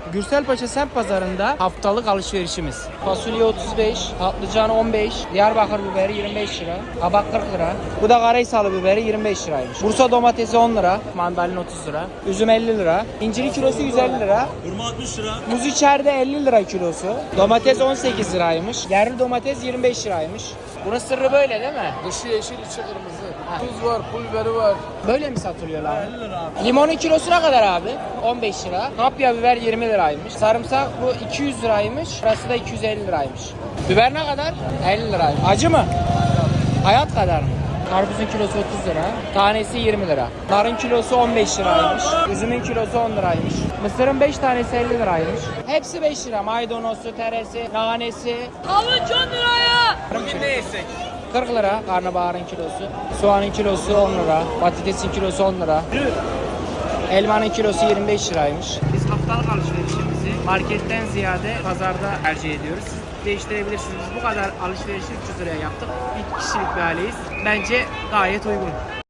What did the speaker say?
Gürselpaşa semt pazarında haftalık alışverişimiz. Fasulye 35, patlıcan 15, Diyarbakır biberi 25 lira, kabak 40 lira. Bu da Karahisalı biberi 25 liraymış. Bursa domatesi 10 lira, mandalina 30 lira, üzüm 50 lira, inciri kilosu 150 lira. Hurma 60 lira. Muz içeride 50 lira kilosu. Domates 18 liraymış. Yerli domates 25 liraymış. Bunun sırrı böyle değil mi? Dışı yeşil, içi kırmızı. Tuz var, pul biberi var. Böyle mi satılıyorlar? 50 lira abi. Limonun kilosu ne kadar abi? 15 lira. Kapya biber 20 liraymış. Sarımsak bu 200 liraymış. Burası da 250 liraymış. Biber ne kadar? 50 liraymış. Acı mı? Hayat kadar mı? Karpuzun kilosu 30 lira. Tanesi 20 lira. Narın kilosu 15 liraymış. Üzümün kilosu 10 liraymış. Mısırın 5 tanesi 50 liraymış. Hepsi 5 lira. Maydanozu, teresi, nanesi. Havuç 10 liraya. Bugün ne yesek? 40 lira karnabaharın kilosu. Soğanın kilosu 10 lira. Patatesin kilosu 10 lira. Elmanın kilosu 25 liraymış. Biz haftalık alışverişimizi marketten ziyade pazarda tercih ediyoruz. Siz değiştirebilirsiniz. Biz bu kadar alışverişi 300 liraya yaptık. Bir kişilik bir aileyiz. Bence gayet uygun.